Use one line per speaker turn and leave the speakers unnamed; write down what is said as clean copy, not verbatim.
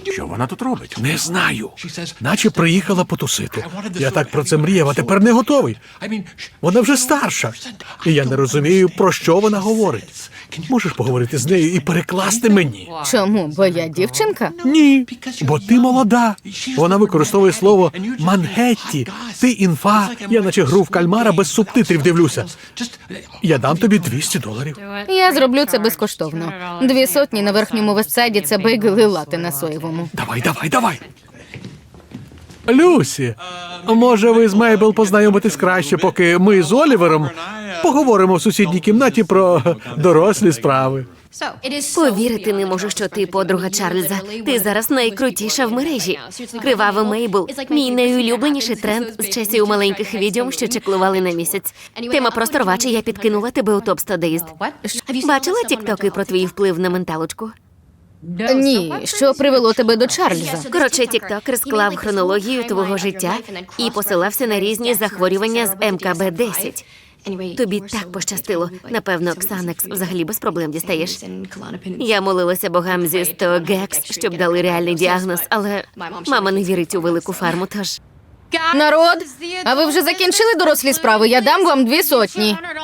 Що вона тут робить?
Не знаю. Наче приїхала потусити. Я так про це мріяв, а тепер не готовий. Вона вже старша. І я не розумію, про що вона говорить. Можеш поговорити з нею і перекласти мені?
Чому? Бо я дівчинка?
Ні, бо ти молода. Вона використовує слово «мангетті». Ти інфа. Я наче гру в кальмара без субтитрів дивлюся. Я дам тобі $200.
Я зроблю це безкоштовно. 200 на верхньому вестсайді – це бейгл і лати на соєвому.
Давай. Люсі, може ви з Мейбл познайомитесь краще, поки ми з Олівером поговоримо в сусідній кімнаті про дорослі справи.
Повірити не можу, що ти подруга Чарльза. Ти зараз найкрутіша в мережі. Кривава Мейбл – мій найулюбленіший тренд з часів маленьких відьом, що чеклували на місяць. Тема просто рвача, я підкинула тебе у топ-100 Dazed. Бачила тіктоки про твій вплив на менталочку?
Ні, що привело тебе до Чарльза?
Коротше, тіктокер склав хронологію твого життя і посилався на різні захворювання з МКБ-10. Тобі так пощастило. Напевно, Ксанекс взагалі без проблем дістаєш. Я молилася богам зі 100 Гекс, щоб дали реальний діагноз, але мама не вірить у велику фарму, тож...
Народ, а ви вже закінчили дорослі справи? Я дам вам 200.